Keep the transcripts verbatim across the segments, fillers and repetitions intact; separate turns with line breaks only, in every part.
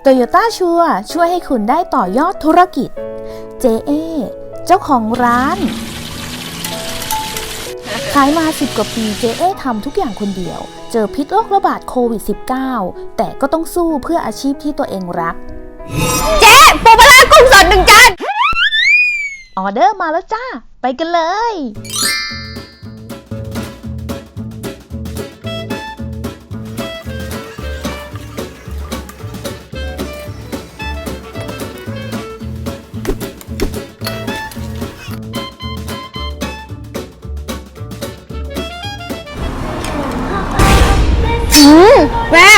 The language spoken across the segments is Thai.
Toyota ชัวร์ช่วยให้คุณได้ต่อยอดธุรกิจ เจ เอ เจ้าของร้านขายมาสิบกว่าปี เจ เอ ทำทุกอย่างคนเดียว เจอพิษโรคระบาดโควิด สิบเก้า แต่ก็ต้องสู้เพื่ออาชีพที่ตัวเองรัก
เจ๊ปูปลาร้ากุ้งสดหนึ่งจาน
ออเดอร์มาแล้วจ้า ไปกันเลย
อืมแม่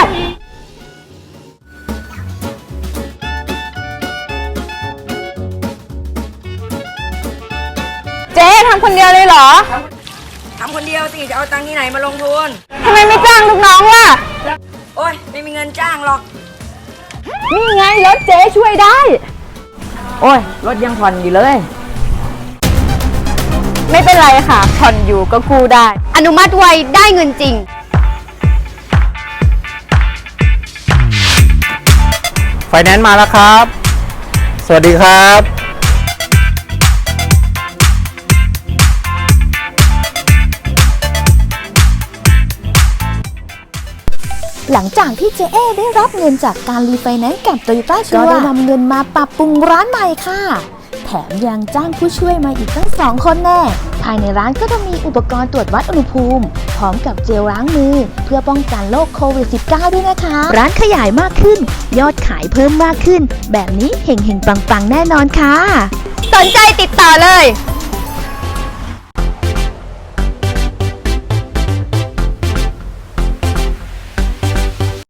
เจ๊ทำคนเดียวเลยเหรอ
ทำคนเดียวสิจะเอาตังค์ที่ไหนมาลงทุน
ทำไมไม่จ้างลูกน้องล่ะ
โอ้ยไม่มีเงินจ้างหรอก
นี่ไงรถเจ๊ช่วยได้
โอ้ยรถยังผ่อนอยู่เลย
ไม่เป็นไรค่ะผ่อนอยู่ก็กู้ได้อนุมัติไวได้เงินจริง
ไฟแนนซ์มาแล้วครับ สวัสดีครับ
หลังจากที่ เจ เอ ได้รับเงินจากการรีไฟแนนซ์กับ Toyota ชัวร์ก็ได้นำเงินมาปรับปรุงร้านใหม่ค่ะ แถมยังจ้างผู้ช่วยมาอีกตั้งสองคนแน่ ภายในร้านก็จะมีอุปกรณ์ตรวจวัดอุณหภูมิ พร้อมกับเจลล้างมือ เพื่อป้องกันโรคโควิด สิบเก้า ด้วยนะคะ ร้านขยายมากขึ้น ยอดขายเพิ่มมากขึ้น แบบนี้เห็งๆปังๆแน่นอนค่ะ
สนใจติดต่อเลย